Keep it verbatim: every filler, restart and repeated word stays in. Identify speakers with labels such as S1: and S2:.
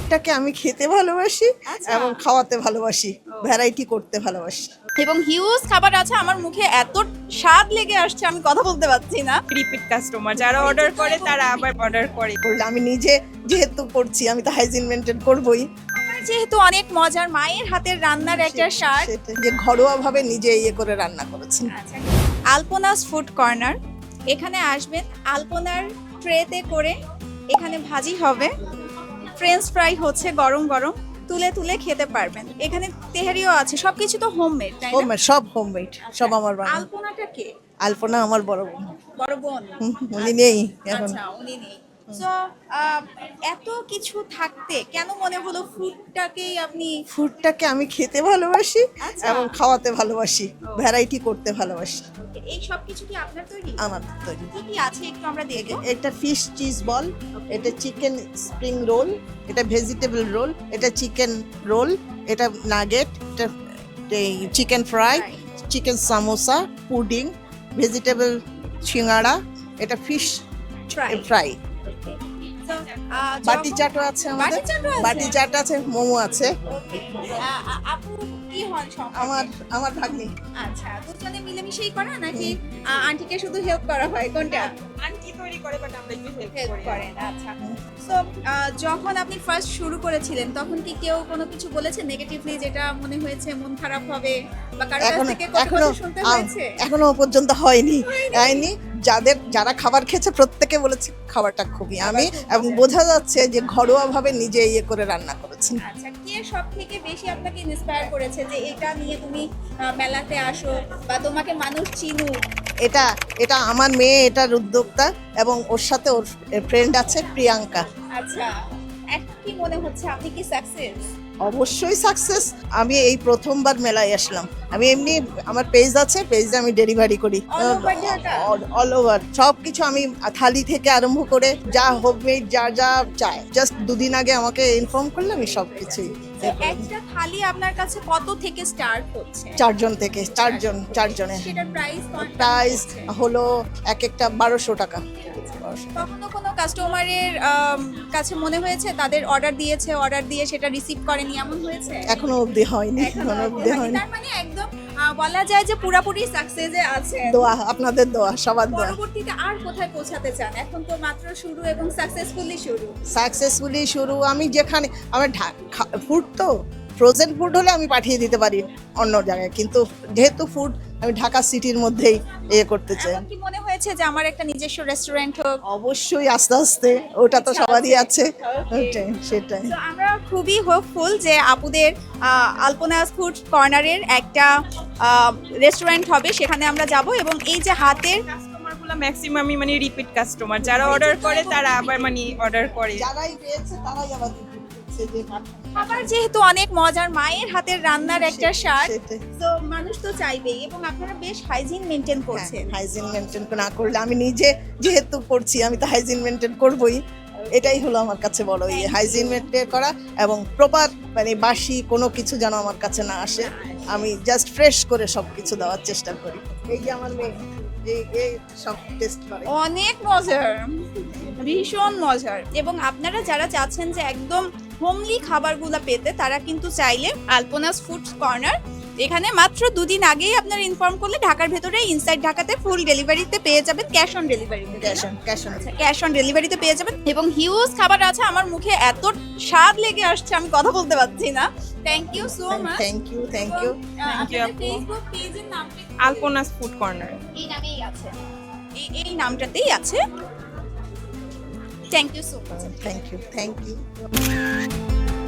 S1: ফুডটাকে আমি খেতে ভালোবাসি
S2: আচ্ছা।
S1: এবং খাওয়াতে ভালোবাসি, ভ্যারাইটি করতে ভালোবাসি।
S2: এবং হিউজ খাবার আছে, আমার মুখে এত স্বাদ লেগে আসছে আমি কথা বলতে পারছি না।
S3: রিপিট কাস্টমার যারা অর্ডার করে তারা আবার অর্ডার করে।
S1: করলে আমি নিজে যেহেতু করছি আমি তো হাইজিন মেনটেন করবই।
S2: আমার যেহেতু অনেক মজার মায়ের হাতের রান্নার একটা স্বাদ।
S1: সেটা যে ঘরোয়াভাবে নিজে ইয়ে করে রান্না করেছি।
S2: আচ্ছা, আলপনাস ফুড কর্নার, এখানে আসবেন। আলপনার ট্রেতে করে এখানে ভাজি হবে, ফ্রেঞ্চ ফ্রাই হচ্ছে গরম গরম, তুলে তুলে খেতে পারবেন। এখানে তেহারিও আছে, সবকিছু তো হোমমেড, তাই না?
S1: হোমমেড, সব হোমমেড, সব আমার বানানো।
S2: আলপনাটা কে?
S1: আলপনা আমার বড় বোন,
S2: বড় বোন?
S1: হুম, উনি নেই এখন।
S2: আচ্ছা, উনি নেই। সো এত কিছু থাকতে কেন মনে হলো ফুডটাকেই আপনি?
S1: ফুডটাকে আমি খেতে ভালোবাসি
S2: আচ্ছা।
S1: এবং খাওয়াতে ভালোবাসি, ভ্যারাইটি করতে ভালোবাসি।
S2: এই সব কিছু কি আপনার তৈরি?
S1: আমার তৈরি।
S2: কি কি আছে একটু আমরা দেখব।
S1: এটা ফিশ চিজ বল, এটা চিকেন স্প্রিং রোল, এটা ভেজিটেবল রোল, এটা চিকেন রোল, এটা নাগেট, এটা chicken fry, chicken samosa, pudding, vegetable singara, এটা fish
S2: Try.
S1: Fry.
S2: So, ah,
S1: বাটি
S2: যখন-
S1: চাটও আছে আমাদের,
S2: বাটি চাটও আছে?
S1: বাটি চাট আছে, মোমো আছে।
S2: আহ, আ- আপু কি হন সম্পর্কে?
S1: আমার আমার ভাগ্নি।
S2: আচ্ছা, দুজনে মিলেমিশেই করা নাকি আহ, আন্টিকে শুধু হেল্প করা হয়, কোনটা?
S3: আন্টি তৈরি করে বাট আমরা একটু হেল্প
S2: হেল্প
S3: করি।
S2: করেন, আচ্ছা। সো যখন আপনি ফার্স্ট শুরু করেছিলেন তখন কি কেউ কোনো কিছু বলেছে নেগেটিভলি, যেটা মনে হয়েছে মন খারাপ হবে বা কারো কাছ
S1: এখনো
S2: থেকে কথা
S1: এখনো
S2: শুনতে
S1: আম,
S2: হয়েছে?
S1: এখনো পর্যন্ত হয়নি হয়নি যাদের যারা খাবার খেয়েছে প্রত্যেকে বলেছে খাবারটা খুবই আমি, এবং বোঝা যাচ্ছে যে ঘরোয়াভাবে নিজে ইয়ে করে রান্না করেছি।
S2: আচ্ছা, কে সব থেকে বেশি আপনাকে ইন্সপায়ার করেছে যে এটা নিয়ে তুমি আহ, মেলাতে আসো বা তোমাকে মানুষ চিনুক?
S1: এটা এটা আমার মেয়ে, এটার উদ্যোক্তা, এবং ওর সাথে ওর ফ্রেন্ড আছে প্রিয়াঙ্কা।
S2: আচ্ছা, এখন কি মনে হচ্ছে আপনি কি সাকসেস?
S1: অবশ্যই সাকসেস। আমি এই প্রথমবার মেলায় আসলাম। আমি এমনি আমার পেজ আছে, পেজে আমি ডেলিভারি করি
S2: All over Dhaka?
S1: All over সব কিছু। আমি থালি থেকে আরম্ভ করে যা হোমমেড যা যা চাই, জাস্ট দুদিন আগে আমাকে ইনফর্ম করলে আমি সব কিছুই।
S2: তো একটা থালি আপনার কাছে কত থেকে স্টার্ট হচ্ছে?
S1: চারজন থেকে চারজন চারজনে
S2: সেটার প্রাইস
S1: প্রাইস হলো এক একটা বারোশো টাকা।
S2: কখনো কোনো কাস্টমারের কাছে মনে হয়েছে তাদের অর্ডার দিয়েছে, অর্ডার দিয়ে সেটা রিসিভ করেনি, এমন হয়েছে?
S1: এখনো অবধি হয়নি,
S2: এখনো
S1: এখনো অবধি হয়নি।
S2: তার মানে একদম আহ, বলা যায় যে পুরোপুরি সাকসেসে আছে।
S1: দোয়া, আপনাদের দোয়া, সবার দোয়া।
S2: পরবর্তীতে আর কোথায় পৌঁছাতে চান? এখন তো মাত্র শুরু এবং সাকসেসফুলি শুরু।
S1: সাকসেসফুলি শুরু। আমি যেখানে আমার ফুড তো ফ্রোজেন ফুড হলে আমি পাঠিয়ে দিতে পারি অন্য জায়গায়, কিন্তু যেহেতু ফুড আমি ঢাকা সিটির মধ্যেই ইয়ে করতে চাই।
S2: এমন কি মনে হয়েছে যে আমার একটা নিজস্ব রেস্টুরেন্ট হোক?
S1: অবশ্যই আস্তে আস্তে, ওটা তো সবারই আছে।
S2: Okay.
S1: ওটাই, সেটাই।
S2: তো আমরা খুবই হোপফুল যে আপুদের আলপনাস ফুড কর্নারের একটা রেস্টুরেন্ট হবে, সেখানে আমরা যাব। এবং এই যে হাতের
S3: কাস্টমারগুলো ম্যাক্সিমামই মানে রিপিট কাস্টমার, যারা অর্ডার করে তারা আবার মানে অর্ডার করে।
S1: যারাই পেয়েছে তারাই আবার repeat করছে যে
S2: খাবার যেহেতু অনেক মজার, মায়ের হাতের রান্নার একটা স্বাদ,
S1: সেটাই।
S2: তো মানুষ তো চাইবেই। এবং আপনারা বেশ হাইজিন মেনটেন করছেন।
S1: হাইজিন মেনটেন না করলে, আমি নিজে যেহেতু করছি আমি তো হাইজিন মেনটেন করবই। এটাই হলো আমার কাছে বড় ইয়ে, হাইজিন মেনটেন করা এবং প্রপার মানে বাসি কোনো কিছু যেন আমার কাছে না আসে। আমি জাস্ট ফ্রেশ করে সব কিছু দেওয়ার চেষ্টা করি। এই যে আমার মেয়ে, এই এই সব টেস্ট করে।
S2: অনেক মজার, ভীষণ মজার। এবং আপনারা যারা চাচ্ছেন যে একদম হোমলি খাবারগুলো পেতে, তারা কিন্তু চাইলে আলপনাস ফুড কর্নার এখানে মাত্র দুদিন আগেই আপনারা ইনফর্ম করলে ঢাকার ভেতরে ইনসাইড ঢাকাতে ফুল ডেলিভারিতে পেয়ে যাবেন, ক্যাশ অন ডেলিভারিতে।
S1: Cash on cash on
S2: cash on ডেলিভারিতে পেয়ে যাবেন। এবং হিউজ খাবার আছে, আমার মুখে এত স্বাদ লেগে আসছে আমি কথা বলতে পারছি না। Thank you so much.
S1: Thank you thank you
S3: Thank you, আপু।
S2: ফেসবুক পেজের নামটা কি?
S3: Alponas food corner.
S2: এই নামেই আছে, এই এই নামটাতেই আছে। Thank you so much.
S1: Thank you thank you